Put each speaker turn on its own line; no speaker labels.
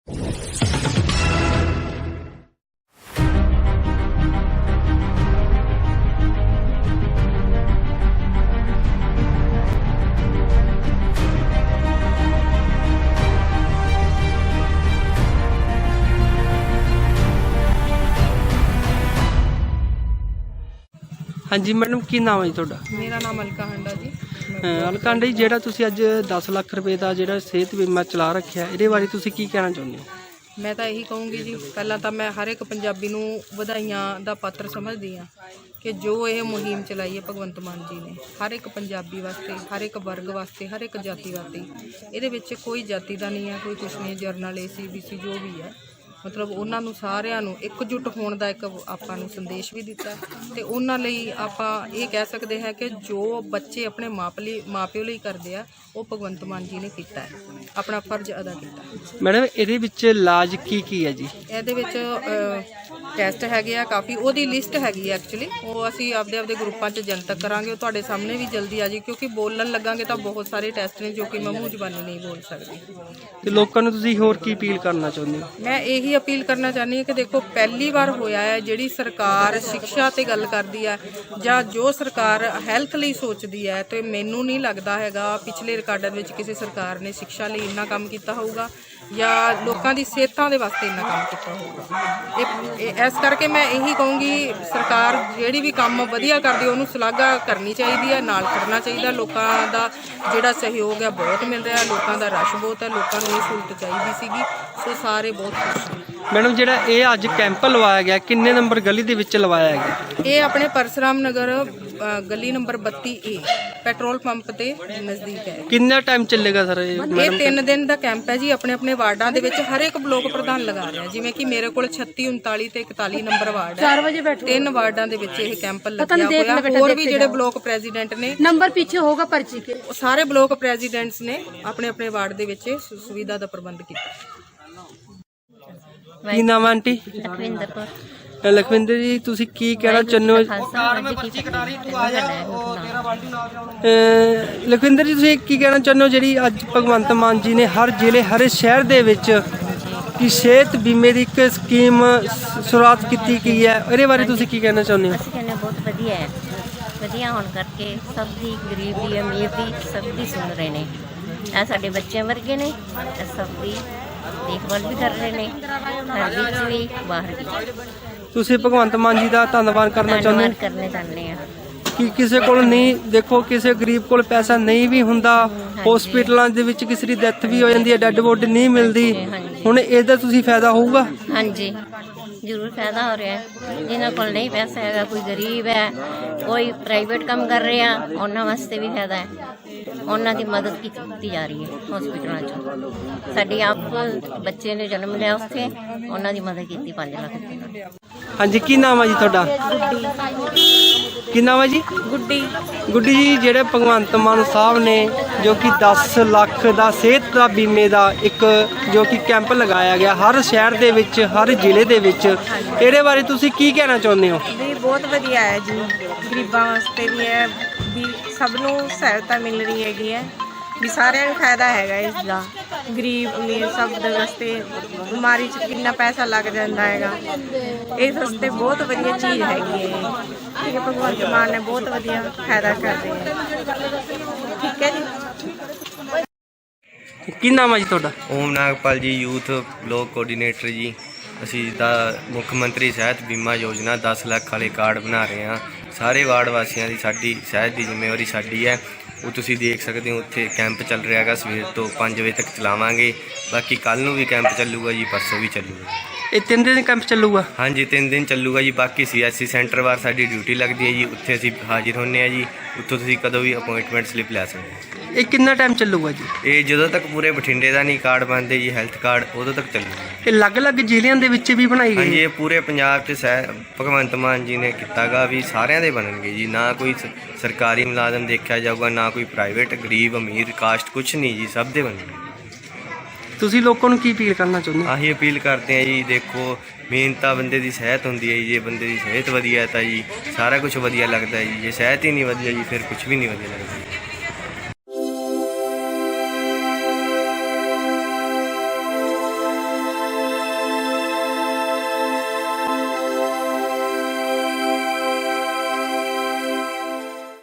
हाँ जी मैडम, की नाम है जी तुहाडा?
मेरा नाम अलका हंडा जी।
अलका हंडा जी, जिहड़ा तुसीं अज 10 लाख रुपए का जिहड़ा सेहत बीमा चला रखिआ, इहदे बारे तुसीं की कहना चाहुंदे हो?
मैं तो यही कहूँगी जी, पहला तो मैं हर एक पंजाबी नूं वधाइयां दा पात्र समझदी हाँ कि जो ये मुहिम चलाई है भगवंत मान जी ने हर एक पंजाबी वास्ते, हर एक वर्ग वास्ते, हर एक जाति वास्ते। इहदे विच कोई जाति का नहीं है, कोई कुछ नहीं, जरनल AC BC जो भी है, मतलब उन्होंने सारिਆਂ ਨੂੰ एकजुट होने का एक ਆਪਾਂ ਨੂੰ संदेश भी दिता ਤੇ ਉਹਨਾਂ ਲਈ ਆਪਾਂ ਇਹ ਕਹਿ ਸਕਦੇ ਹਾਂ ਕਿ ਜੋ ਬੱਚੇ ਆਪਣੇ ਮਾਪਿਓ ਲਈ ਕਰਦੇ ਆ ਉਹ ਭਗਵੰਤ ਮਾਨ ਜੀ ਨੇ ਕੀਤਾ ਹੈ, ਆਪਣਾ ਫਰਜ਼ ਅਦਾ ਕੀਤਾ।
ਮੈਡਮ ਇਹਦੇ ਵਿੱਚ ਇਲਾਜ ਕੀ ਹੈ ਜੀ? ਇਹਦੇ
ਵਿੱਚ ਟੈਸਟ ਹੈਗੇ ਆ ਕਾਫੀ, ਉਹਦੀ ਲਿਸਟ ਹੈਗੀ ਐਕਚੁਅਲੀ, ਉਹ ਅਸੀਂ ਆਪਦੇ ਗਰੁੱਪਾਂ 'ਚ ਜਨਤਕ ਕਰਾਂਗੇ, ਉਹ ਤੁਹਾਡੇ ਸਾਹਮਣੇ ਵੀ ਜਲਦੀ ਆ ਜੀ, ਕਿਉਂਕਿ ਬੋਲਣ ਲੱਗਾਂਗੇ ਤਾਂ ਬਹੁਤ ਸਾਰੇ ਟੈਸਟ ਨੇ ਜੋ ਕਿ ਮੈਂ ਮੂੰਹ ਜ਼ਬਾਨੀ ਨਹੀਂ ਬੋਲ ਸਕਦੀ।
ਤੇ ਲੋਕਾਂ ਨੂੰ ਤੁਸੀਂ ਹੋਰ ਕੀ ਅਪੀਲ ਕਰਨਾ ਚਾਹੁੰਦੇ ਹੋ?
ਮੈਂ ਇਹੀ अपील करना चाहनी है कि देखो पहली बार होया है जिहड़ी सरकार शिक्षा ते गल करदी है जां जो सरकार हैल्थ लई सोचदी है, तो मैनू नहीं लगता हैगा पिछले रिकार्डां विच किसी सरकार ने शिक्षा लई इन्ना काम कीता होऊगा या लोगों की सेहतां दे वास्ते इन्ना काम कीता होऊगा। इस करके मैं यही कहूँगी सरकार जिहड़ी भी काम वधिया करदी है उहनूं सलाघा करनी चाहिए है, नाल खड़ना चाहिए। लोगों का जिहड़ा सहयोग है बहुत मिल रहा है, लोगों का रश बहुत है, लोगों को ये सहूलत चाहिए सीगी, सो सारे बहुत खुश हैं।
मैडम जिहड़ा ये अज कैंप लवाया गया किन्ने नंबर गली दे विच लवाया गया?
ये अपने परसराम नगर गली नंबर 32A पेट्रोल पंप के नज़दीक है।
कितना टाइम चलेगा सर ये?
3 दिन का कैंप है जी। अपने अपने वार्डां दे विच हर एक ब्लॉक प्रधान लगा रहा है, जिवें कि मेरे को 36, 39 ते 41 नंबर वार्ड है, 3 वार्डां दे विच ये कैंप लग्या होया। होर भी जिहड़े ब्लॉक प्रेजिडेंट ने, नंबर पीछे होगा पर्ची के, सारे ब्लॉक प्रेजिडेंट्स ने अपने अपने वार्ड दे विच सुविधा का प्रबंध किया।
की नाम है आंटी?
लखविंदर कौर।
लखविंदर जी, तुसी की कहना चाਹੁੰਦੇ हो? लखविंदर जी, तुसी की कहना चाਹੁੰਦੇ ਹੋ ਜਿਹੜੀ ਅੱਜ ਭਗਵੰਤ ਮਾਨ ਜੀ ਨੇ ਹਰ ਜ਼ਿਲ੍ਹੇ ਹਰ ਸ਼ਹਿਰ ਦੇ ਵਿੱਚ ਕਿ ਸਿਹਤ ਬੀਮੇ ਦੀ ਇੱਕ ਸਕੀਮ ਸ਼ੁਰੂਆਤ ਕੀਤੀ ਗਈ ਹੈ, ਇਹਦੇ ਬਾਰੇ ਤੁਸੀਂ ਕੀ ਕਹਿਣਾ ਚਾਹੁੰਦੇ ਹੋ?
ਅਸੀਂ ਕਹਿੰਦੇ ਬਹੁਤ ਵਧੀਆ ਹੈ, ਵਧੀਆ ਹੋਣ ਕਰਕੇ ਸਭ ਦੀ, ਗਰੀਬ ਦੀ, ਅਮੀਰ ਦੀ, ਸਭ ਦੀ ਸੁਣ ਰਹੇ ਨੇ। ਇਹ ਸਾਡੇ ਬੱਚੇ ਵਰਗੇ ਨੇ, ਸਭ ਦੀ ਦੇਖਭਾਲ ਵੀ ਕਰ ਰਹੇ ਨੇ, ਘਰ ਵਿੱਚ ਵੀ ਬਾਹਰ ਵੀ।
ਤੁਸੀਂ ਭਗਵੰਤ ਮਾਨ ਜੀ ਦਾ ਧੰਨਵਾਦ ਕਰਨਾ ਚਾਹੁੰਦੇ ਹੋ?
ਕਰਨੇ ਚਾਹੁੰਦੇ ਆ
ਕਿ ਕਿਸੇ ਕੋਲ ਨਹੀਂ, ਦੇਖੋ ਕਿਸੇ ਗਰੀਬ ਕੋਲ ਪੈਸਾ ਨਹੀਂ ਵੀ ਹੁੰਦਾ, ਹਸਪੀਟਲਾਂ ਦੇ ਵਿੱਚ ਕਿਸੇ ਦੀ ਡੈਥ ਵੀ ਹੋ ਜਾਂਦੀ ਹੈ, ਡੈੱਡ ਬੋਡੀ ਨਹੀਂ ਮਿਲਦੀ, ਹੁਣ ਇਹਦਾ ਤੁਸੀਂ ਫਾਇਦਾ ਹੋਊਗਾ?
ਹਾਂਜੀ ਜ਼ਰੂਰ ਫਾਇਦਾ ਹੋ ਰਿਹਾ ਹੈ। ਜਿਨ੍ਹਾਂ ਕੋਲ ਨਹੀਂ ਪੈਸਾ ਹੈਗਾ, ਕੋਈ ਗਰੀਬ ਹੈ, ਕੋਈ ਪ੍ਰਾਈਵੇਟ ਕੰਮ ਕਰ ਰਿਹਾ, ਉਹਨਾਂ ਵਾਸਤੇ ਵੀ ਫਾਇਦਾ ਹੈ। ਉਹਨਾਂ ਦੀ ਮਦਦ ਕੀਤੀ ਜਾ ਰਹੀ ਹੈ ਹਸਪੀਟਲਾਂ 'ਚ। ਸਾਡੀ ਆਪ ਬੱਚੇ ਨੇ ਜਨਮ ਲਿਆ ਉੱਥੇ, ਉਹਨਾਂ ਦੀ ਮਦਦ ਕੀਤੀ 5 ਲੱਖ ਰੁਪਏ।
ਹਾਂਜੀ, ਕੀ ਨਾਮ ਹੈ ਜੀ ਤੁਹਾਡਾ? ਕੀ ਨਾਮ ਹੈ ਜੀ?
गुड्डी।
गुड्डी जी, ਜਿਹੜੇ ਭਗਵੰਤ ਮਾਨ ਸਾਹਿਬ ਨੇ ਜੋ ਕਿ 10 ਲੱਖ ਦਾ ਸਿਹਤ ਦਾ ਬੀਮੇ ਦਾ ਇੱਕ ਜੋ ਕਿ ਕੈਂਪ ਲਗਾਇਆ ਗਿਆ ਹਰ ਸ਼ਹਿਰ ਦੇ ਵਿੱਚ, ਹਰ ਜ਼ਿਲ੍ਹੇ ਦੇ ਵਿੱਚ, ਇਹਦੇ ਬਾਰੇ ਤੁਸੀਂ ਕੀ ਕਹਿਣਾ ਚਾਹੁੰਦੇ ਹੋ?
ਵੀ ਬਹੁਤ ਵਧੀਆ ਹੈ ਜੀ, ਗਰੀਬਾਂ ਵਾਸਤੇ ਵੀ ਹੈ, ਵੀ ਸਭ ਨੂੰ ਸਹਾਇਤਾ ਮਿਲ ਰਹੀ ਹੈਗੀ ਹੈ, ਵੀ ਸਾਰਿਆਂ ਨੂੰ ਫਾਇਦਾ ਹੈਗਾ ਇਸ ਦਾ। ਗਰੀਬ ਅਮੀਰ ਸਭ ਦੇ ਵਾਸਤੇ ਬਿਮਾਰੀ 'ਚ ਕਿੰਨਾ ਪੈਸਾ ਲੱਗ ਜਾਂਦਾ ਹੈਗਾ, ਇਸ ਵਾਸਤੇ ਬਹੁਤ ਵਧੀਆ ਚੀਜ਼ ਹੈਗੀ ਹੈ। ਠੀਕ ਹੈ, ਭਗਵੰਤ ਮਾਨ ਨੇ ਬਹੁਤ ਵਧੀਆ ਫਾਇਦਾ ਕਰਦੇ ਹੈ। ਠੀਕ ਹੈ ਜੀ।
ਕੀ ਨਾਮ ਹੈ ਜੀ ਤੁਹਾਡਾ?
ਓਮ ਨਾਗਪਾਲ ਜੀ, ਯੂਥ ਬਲਾਕ ਕੋਆਰਡੀਨੇਟਰ ਜੀ। ਅਸੀਂ ਦਾ ਮੁੱਖ ਮੰਤਰੀ ਸਿਹਤ ਬੀਮਾ ਯੋਜਨਾ 10 ਲੱਖ ਵਾਲੇ ਕਾਰਡ ਬਣਾ ਰਹੇ ਹਾਂ। ਸਾਰੇ ਵਾਰਡ ਵਾਸੀਆਂ ਦੀ ਸਾਡੀ ਸਿਹਤ ਦੀ ਜ਼ਿੰਮੇਵਾਰੀ ਸਾਡੀ ਹੈ। ਉਹ ਤੁਸੀਂ ਦੇਖ ਸਕਦੇ ਹੋ, ਉੱਥੇ ਕੈਂਪ ਚੱਲ ਰਿਹਾ ਹੈਗਾ, ਸਵੇਰ ਤੋਂ 5 ਵਜੇ ਤੱਕ ਚਲਾਵਾਂਗੇ। ਬਾਕੀ ਕੱਲ੍ਹ ਨੂੰ ਵੀ ਕੈਂਪ ਚੱਲੂਗਾ ਜੀ, ਪਰਸੋਂ ਵੀ ਚੱਲੂਗਾ।
ਇਹ 3 ਦਿਨ ਕੈਂਪ ਚੱਲੂਗਾ?
ਹਾਂਜੀ 3 ਦਿਨ ਚੱਲੂਗਾ ਜੀ। ਬਾਕੀ CSC ਸੈਂਟਰ ਵਾਰ ਸਾਡੀ ਡਿਊਟੀ ਲੱਗਦੀ ਹੈ ਜੀ, ਉੱਥੇ ਅਸੀਂ ਹਾਜ਼ਰ ਹੁੰਦੇ ਹਾਂ ਜੀ। ਉੱਥੋਂ ਤੁਸੀਂ ਕਦੋਂ ਵੀ ਅਪੋਇੰਟਮੈਂਟ ਸਲਿੱਪ ਲੈ ਸਕਦੇ ਹੋ।
ਇਹ ਕਿੰਨਾ ਟਾਈਮ ਚੱਲੂਗਾ ਜੀ?
ਇਹ ਜਦੋਂ ਤੱਕ ਪੂਰੇ ਬਠਿੰਡੇ ਦਾ ਨਹੀਂ ਕਾਰਡ ਬਣਦੇ ਜੀ, ਹੈਲਥ ਕਾਰਡ, ਉਦੋਂ ਤੱਕ ਚੱਲੂਗਾ।
ਇਹ ਅਲੱਗ-ਅਲੱਗ ਜ਼ਿਲ੍ਹਿਆਂ ਦੇ ਵਿੱਚ ਵੀ ਬਣਾਈ ਗਈ?
ਹਾਂਜੀ, ਇਹ ਪੂਰੇ ਪੰਜਾਬ 'ਚ ਭਗਵੰਤ ਮਾਨ ਜੀ ਨੇ ਕੀਤਾ ਗਾ ਵੀ ਸਾਰਿਆਂ ਦੇ ਬਣਨਗੇ ਜੀ। ਨਾ ਕੋਈ ਸਰਕਾਰੀ ਮੁਲਾਜ਼ਮ ਦੇਖਿਆ ਜਾਊਗਾ, ਨਾ ਕੋਈ ਪ੍ਰਾਈਵੇਟ, ਗਰੀਬ ਅਮੀਰ ਕਾਸਟ ਕੁਛ ਨਹੀਂ ਜੀ, ਸਭ ਦੇ ਬਣਨਗੇ।
ਤੁਸੀਂ ਲੋਕਾਂ ਨੂੰ ਕੀ ਅਪੀਲ ਕਰਨਾ ਚਾਹੁੰਦੇ ਹੋ?
ਆਹੀ ਅਪੀਲ ਕਰਦੇ ਹਾਂ ਜੀ, ਦੇਖੋ ਮੇਨ ਤਾਂ ਬੰਦੇ ਦੀ ਸਿਹਤ ਹੁੰਦੀ ਹੈ ਜੀ। ਜੇ ਬੰਦੇ ਦੀ ਸਿਹਤ ਵਧੀਆ ਤਾਂ ਜੀ ਸਾਰਾ ਕੁਝ ਵਧੀਆ ਲੱਗਦਾ ਜੀ। ਜੇ ਸਿਹਤ ਹੀ ਨਹੀਂ ਵਧੀਆ ਜੀ, ਫਿਰ ਕੁਝ ਵੀ ਨਹੀਂ ਵਧੀਆ ਲੱਗਦਾ।